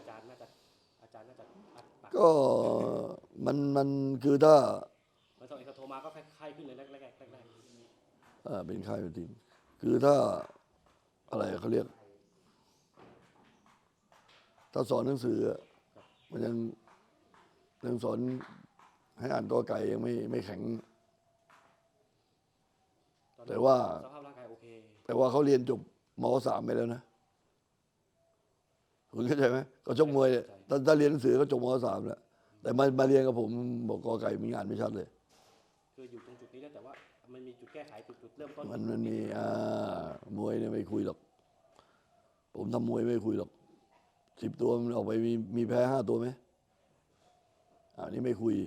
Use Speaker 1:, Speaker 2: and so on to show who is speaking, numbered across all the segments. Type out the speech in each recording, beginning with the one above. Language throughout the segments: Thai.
Speaker 1: จารย์น่าจะอัดปาก
Speaker 2: ก็มันคือถ้า
Speaker 1: มันต้องเอกโทรมาก็ไข้ขึ้นเลยแรก
Speaker 2: เป็นค่ายเป็นทีมคือถ้าอะไรเขาเรียกถ้าสอนหนังสือมันยังสอนให้อ่านกอไก่ยังไม่แข็ง แต่ว่า
Speaker 1: สภาพร่างกายโอเค
Speaker 2: แต่ว่าเขาเรียนจบม.3ไปแล้วนะคุณเข้าใจไหมก็ชกมวยถ้าเรียนหนังสือก็จบม.3แล้วแต่มาเรียนกับผมบอกกอไก่มีงานไม่ชัดเลย
Speaker 1: คืออยู่ตรงจุดนี้แล้วแต่ว่ามันมีจุดแก้ไขจุดเริ่มต้น
Speaker 2: มันมีมวยเนี่ยไม่คุยหรอกผมทำมวยไม่คุยหรอก10 ตัวมันออกไปมีแพ้5 ตัวไหมนี่ไม่คุย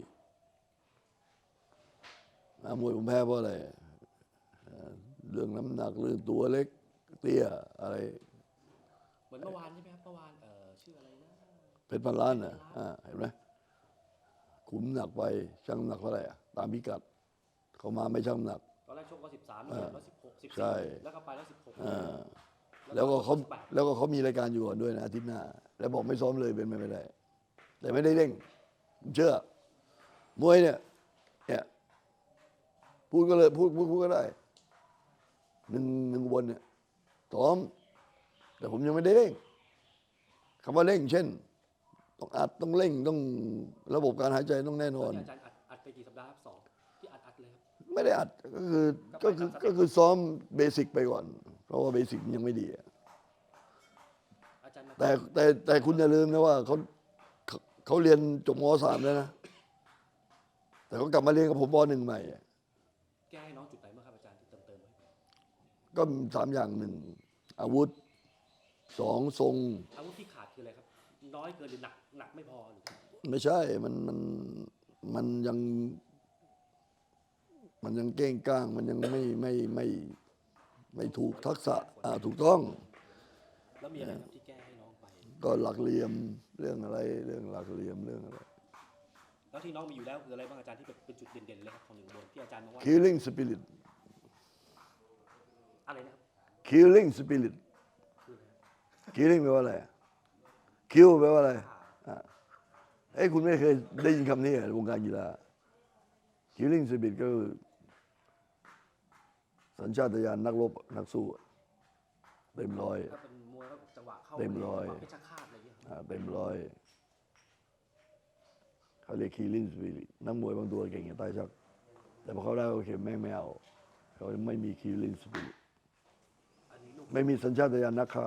Speaker 2: มวยผมแพ้เพราะอะไรเรื่องน้ำหนักเรื่องตัวเล็กเตี้ยอะไร
Speaker 1: เหมือนเมื่อวานใช่ไหมครับเมื่อวานชื่ออะไรนะ
Speaker 2: เพชรพันล้านน่ะเห็นไหมขุมหนักไปชั่งน้ำหนักเท่าไหร่ตามพิกัดเขามาไม่ชั่งน้ำหนัก
Speaker 1: ตอนแรกชก113แล้ว16
Speaker 2: ใช่
Speaker 1: แล้วก็ไปแล้ว16
Speaker 2: แล้วก็เขามีรายการอยู่ก่อนด้วยนะอาทิตย์หน้าแล้วบอกไม่ซ้อมเลยเป็นไม่ได้แต่ไม่ได้เร่งผมเชื่อมวยเนี่ยพูดก็เลยพูดก็ได้หนึ่งวันเนี่ยซ้อมแต่ผมยังไม่ได้เร่งคำว่าเร่งเช่นต้องอัดต้องเร่งต้องระบบการหายใจต้องแน่นอน
Speaker 1: อาจารย์อัดไปกี่สัปดาห์ครับ2ที่อัดเลยครับ
Speaker 2: ไม่ได้อัดก็คือซ้อมเบสิกไปก่อนเพราะว่าเบสิกยังไม่ดีแต่คุณอย่าลืมนะว่าเขาเรียนจบม.3แล้วนะแต่เขากลับมาเรียนกับผมม.1ใหม่
Speaker 1: แก้ให้น้องจุดไหนบ้างครับอาจารย์ที่เติม
Speaker 2: ก็3 อย่าง1อาวุธ2ทรง
Speaker 1: อาวุธที่ขาดคืออะไรครับน้อยเกินหรือหนักไม่พอหรือ
Speaker 2: ไม่ใช่มันยังเก้งก้างมันยังไม่ถูกทักษะถูกต้อง
Speaker 1: แล้วมีอะไรครับที่แก้ให้น้องไป
Speaker 2: ก็หลักเหลี่ยมเรื่องอะไรเรื่องหลักเหลี่ยมเรื่องอะไร
Speaker 1: แล้วที่น้องมีอยู่แล้วคืออะไรบ้างอาจารย์ที่เป็นจุดเด่นๆเลยครับของ1 บนที่อาจารย์มองว่า
Speaker 2: killing spirit
Speaker 1: อะไรนะครับ
Speaker 2: killing spirit killing แปลว่าอะไร kill แปลว่าอะไรคุณไม่เคยได้ยินคำนี้ในวงการกีฬา killing spirit ก็คือสัญชาตญาณนักรบนักสู้เต็มร้อย
Speaker 1: ถ้าเป็นมวยแล้วจังหวะเข้า
Speaker 2: เต็มร้อย
Speaker 1: เพชรฆาตอะไรอย่างเงี้ย
Speaker 2: เต็มร้อยเขาเรียก killing spirit นักมวยบางตัวเก่งอย่างใต้ชักแต่พอเขาได้โอเคแม่งไม่เอาเขาไม่มี killing spirit ไม่มีสัญชาตญาณนักฆ่า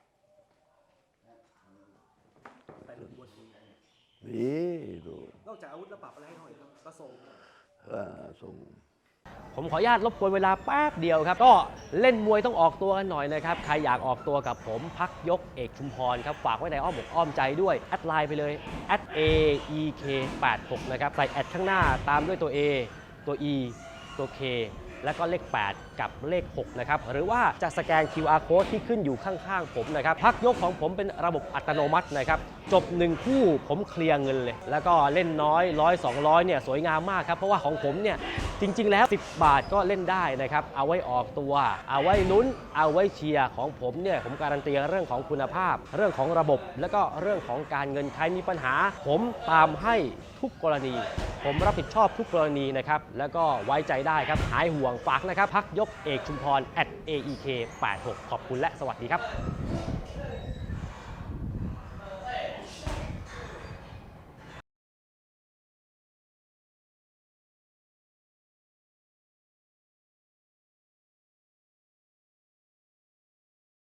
Speaker 2: นี่ดู
Speaker 1: นอกจากอาวุธแล้วปรับอะไรให้หน่อยครับก็ส่
Speaker 2: ง
Speaker 3: ผมขออนุญาตรบกวนเวลาแป๊บเดียวครับก็เล่นมวยต้องออกตัวกันหน่อยนะครับใครอยากออกตัวกับผมพักยกเอกชุมพรครับฝากไว้ในอ้อมอกอ้อมใจด้วยแอดไลน์ไปเลย @aek86 นะครับใส่แอดข้างหน้าตามด้วยตัว A ตัว E ตัว K แล้วก็เลข8กับเลข6นะครับหรือว่าจะสแกน QR code ที่ขึ้นอยู่ข้างๆผมนะครับพักยกของผมเป็นระบบอัตโนมัตินะครับจบ1คู่ผมเคลียร์เงินเลยแล้วก็เล่นน้อย100 200เนี่ยสวยงามมากครับเพราะว่าของผมเนี่ยจริงๆแล้ว10 บาทก็เล่นได้นะครับเอาไว้ออกตัวเอาไว้ลุ้นเอาไว้เชียร์ของผมเนี่ยผมการันตีเรื่องของคุณภาพเรื่องของระบบแล้วก็เรื่องของการเงินใครมีปัญหาผมตามให้ทุกกรณีผมรับผิดชอบทุกกรณีนะครับแล้วก็ไว้ใจได้ครับหายห่วงฝากนะครับพักยกเอกชุมพร @aek86 ขอบคุณและสวัสดีครับ